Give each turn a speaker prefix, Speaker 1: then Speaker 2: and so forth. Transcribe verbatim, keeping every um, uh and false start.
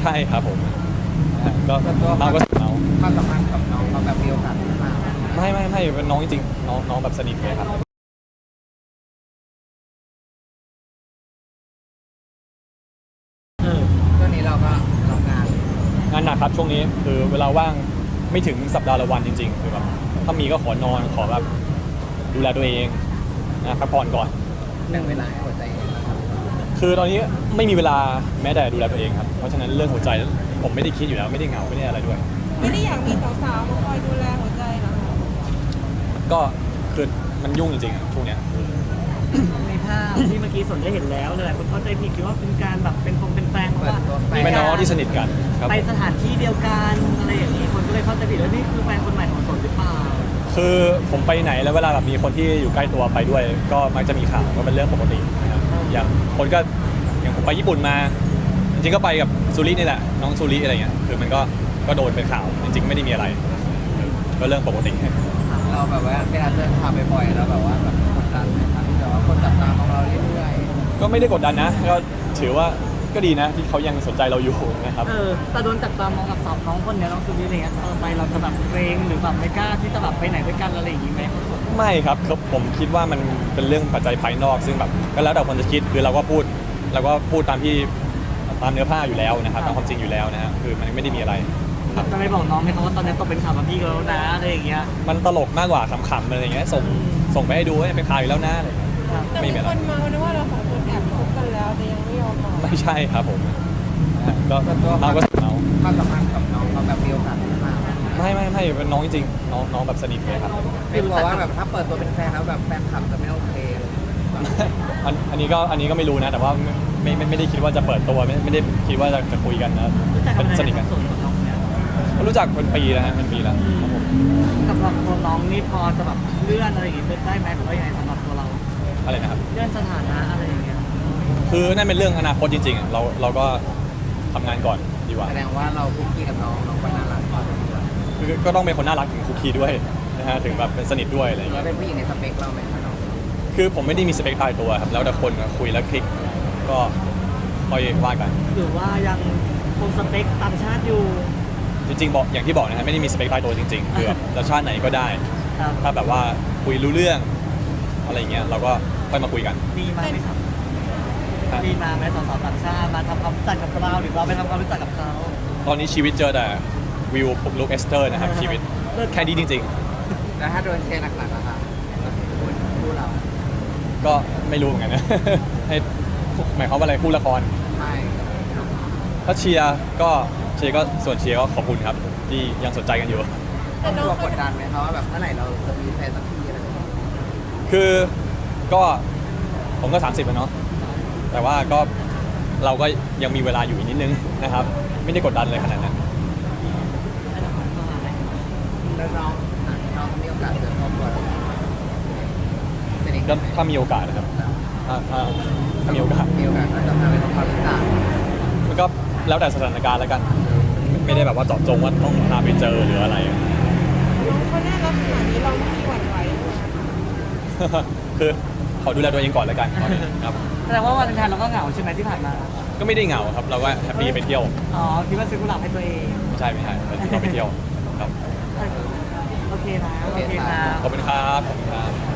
Speaker 1: ใช่ครับผมก็
Speaker 2: ส่วนตัว
Speaker 1: เราก็เรา
Speaker 2: ความสัมพันธ์กับน้องเราแบบมีโอกาสมาก
Speaker 1: ไม่ไม่ไม่เป็นน้องจริงๆน้องน้องแบบสนิทเลยครับ
Speaker 2: เออช่วงนี้เราก็ทำงาน
Speaker 1: งานหนักครับช่วงนี้คือเวลาว่างไม่ถึงสัปดาห์ละวันจริงๆคือแบบถ้ามีก็ขอนอนขอแบบดูแลตัวเองนะพักผ่อนก่อน
Speaker 2: แบ่งเวลาให้หัวใจเองนะครับ
Speaker 1: คือตอนนี้ไม่มีเวลาแม้แต่ดูแลตัวเองครับเพราะฉะนั้นเรื่องหัวใจผมไม่ได้คิดอยู่แล้วไม่ได้เหงาไม่ได้อะไรด้วย
Speaker 3: ไม่ได้อยากมีสาวๆมาคอยดูแลหัวใจเหรอคะ
Speaker 1: ก็คือมันยุ่งจริงๆอะช่วงเนี้ย
Speaker 4: ในภาพที่เมื่อกี้สนได้เห็นแล้วเลยคนเข้าใจผิดคิดว่าเป็นการแบบเป็นคงเป็นแฟนเพราะ
Speaker 2: เปิด
Speaker 4: ว่า
Speaker 2: ตัวแฟ
Speaker 1: เป็นน้องที่สนิทกันครับ
Speaker 4: ไปสถานที่เดียวกันอะไรอย่างนี้คนก็เลยเข้าใจผิดว่านี่คือแฟนคนใหม่ของสนหรือเปล่า
Speaker 1: คือผมไปไหนแล้วเวลาแบบมีคนที่อยู่ใกล้ตัวไปด้วย ก็มักจะมีข่าวก็เป็นเรื่องปกตินะครับอย่างคนก็อย่างผมไปญี่ปุ่นมา จริงๆก็ไปกับซูรินี่แหละน้องซูริอะไรเงี้ยคือมันก็ก็โดนเป็นข่าวจริงๆไม่ได้มีอะไรก็เรื่องปกติ
Speaker 2: เราแบบว่าเวลาเจอข่าวบ่อยๆแล้วแบบว่าแบบกดดันไหมครับที่แบบว่าคนจับตามองเราเรื่อย
Speaker 1: ก็ไม่ได้กดดันนะก็ถือว่าก็ดีนะที่เขายังสนใจเราอยู่นะครับ
Speaker 4: เออแต่โดนจับตามองกับสาวน้องคนเนี้ยน้องซูนี่อะไรเงี้ยต่อไปเราจะแบบเกรงหรือแบบไม่กล้าที่จะแบบไปไหนด้วยกันอะไรอย่างนี้ไหม
Speaker 1: ไม่ครับคือผมคิดว่ามันเป็นเรื่องปัจจัยภายนอก ซึ่งแบบก็แล้วแต่คนจะคิดคือเราก็พูดเราก็พูดตามที่ตามเนื้อผ้าอยู่แล้วนะครับตามความจริงอยู่แล้วนะฮะคือมันไม่ได้มีอะไรครับ
Speaker 4: จะไม่บอกน้องไหมครับว่าตอนนี้ตกเป็นข่าวกับพี่แล้วนะอะไรอย่างเงี้ย
Speaker 1: มันตลกมากกว่าขำๆอะไรอย่างเงี้ยส่งส่งไปให้ดูว่าเป็นข่าวอยู่แล้วนะอะไรอย่างเงี้ย
Speaker 4: ครับ
Speaker 3: แต่
Speaker 1: ไม่
Speaker 3: มี
Speaker 1: มีอะไร
Speaker 3: คนเมานะว่าเราสองคนแอบคบกันแล้วแต่ยังไม่ยอมบอก
Speaker 1: ไม่ใช่ครับผมนะฮะก็
Speaker 2: ๆส่วนตัว
Speaker 1: เราก็เรา
Speaker 2: ความสัมพันธ์กับน้องเราแบบมีโอกาสมาก
Speaker 1: ไม่ไม่ไม่เป็นน้องจริงๆน้องน้องแบบสนิทเลยครับ
Speaker 2: ไม่กลัวว่าแบบถ้าเปิดตัวเป็นแฟนแล้วแบบแฟนคลับจะไม่โอเค
Speaker 1: อันอันนี้ก็อันนี้ก็ไม่รู้นะ แต่ว่าไม่ไม่ไม่ได้คิดว่าจะเปิดตัวไม่ไม่ได้คิดว่าจะจะคุยกันนะ
Speaker 4: รู้จักกั
Speaker 1: เป็น น
Speaker 4: มา
Speaker 1: สนิท
Speaker 4: กั
Speaker 1: กัน น
Speaker 4: ส่วนของน้องเนี่ย
Speaker 1: รู้จักเป็นปีแล้วฮะเป็นปีแล้วครับผม
Speaker 4: สำหรับตัวน้องนี่พอจะแบบเลื่อนอะไรอย่างงี้ได้ไหมหรือว่ายังไงสำหรับตัวเรา
Speaker 1: อะไรนะครับ
Speaker 4: เลื่อนสถานะอะไรอย่างเงี้ย
Speaker 1: คือนั่นเป็นเรื่องอนาคตจริงๆอะเราเราก็ทำงานก่อนดีกว่า
Speaker 2: แสดงว่าเราคุกคีกับน้องน้องก็น่ารัก
Speaker 1: คือก็ต้องเป็นคนน่ารักถึงคุกคีด้วยนะฮะถึงแบบเป็นสนิทด้วยอะไรอย่าง
Speaker 2: เรา
Speaker 1: เงี้ย
Speaker 2: เป็นผู้หญิงในสเปคเราไหมคะน้อง
Speaker 1: คือผมไม่ได้มีสเปคตายตัวครับแล้วแต่คนคุยแล้วคลิกก็ค่อยว่ากัน
Speaker 4: หรือว่ายังคงสเปคต่างชาติอยู่
Speaker 1: จริงๆบอกอย่างที่บอกนะฮะไม่ได้มีสเปคตายตัวจริงๆคือแบบจะชาติไหนก็ได้
Speaker 4: ครับ
Speaker 1: ถ้าแบบว่าคุยรู้เรื่องอะไรอย่างเงี้ยเราก็ค่อยมาคุยกัน
Speaker 4: มีมาไหมครับ
Speaker 1: ฮะ
Speaker 4: มีมาไหมสาวๆต่างชาติมาทำความรู้จักกับเราหรือเราไปทำความรู้จักกับเขา
Speaker 1: ตอนนี้ชีวิตเจอแต่วิวปุกลุกเอสเตอร์นะครับชีวิตแค่นี้จริง
Speaker 2: แล้วถ้าโดนเชียร์หนักๆนะคะคู่เรา
Speaker 1: ๆ ก็ไม่รู้เหมือนกันนะ ให้หมายความว่าอะไรคู่ละคร
Speaker 2: ไม่
Speaker 1: ถ้าเชียร์ก็เชียร์ก็ส่วนเชียร์ก็ขอบคุณครับ ที่ยังสนใจกันอยู่
Speaker 3: แต่น้อง
Speaker 2: ตัว
Speaker 3: เขา
Speaker 2: กดดันไหมคะว่าแบบเมื่อไหร่เราจะมีแฟนสักทีอะไรแบบนี้
Speaker 1: คือก็ผมก็ สามสิบแล้วเนาะแต่ว่าก็เราก็ยังมีเวลาอยู่อีกนิดนึงนะครับ ไม่ได้กดดันเลยขนาดนั้น
Speaker 2: แล้วน้องอ่ะน้องมีโอกาสเจอครอบครัวเราสนิท
Speaker 1: ก็ถ้ามีโอกาสนะครับถ้าถ้าถ้ามีโอกาส
Speaker 2: มีโอกาสก็จะพาไปทำความรู้จัก
Speaker 1: มันก็แล้วแต่สถานการณ์แล้วกัน ไม่ได้แบบว่าเจาะจงว่าต้องพาไปเจอหรืออะไร
Speaker 3: น้องเขาน่ารักขนาดนี้เราไม่มีหวั่นไหวเลย
Speaker 1: คือขอดูแลตัวเองก่อนแล้วกันตอนนี้ครับ
Speaker 4: แสดงว่าวันอังคารเราก็เหงาใช่ไหมที่ผ่านมา
Speaker 1: ก็ไม่ได้เหงาครับ เราก็แฮปปี้ไปเที่ยว
Speaker 4: อ๋อคิดว่าซื้อกุหลาบให้ตัวเอง
Speaker 1: ไม่ใช่ไม่ใช่เราไปเที่ยวครับ
Speaker 4: โอเคนะโอเคนะ
Speaker 1: ขอบคุณครับขอบคุณครับ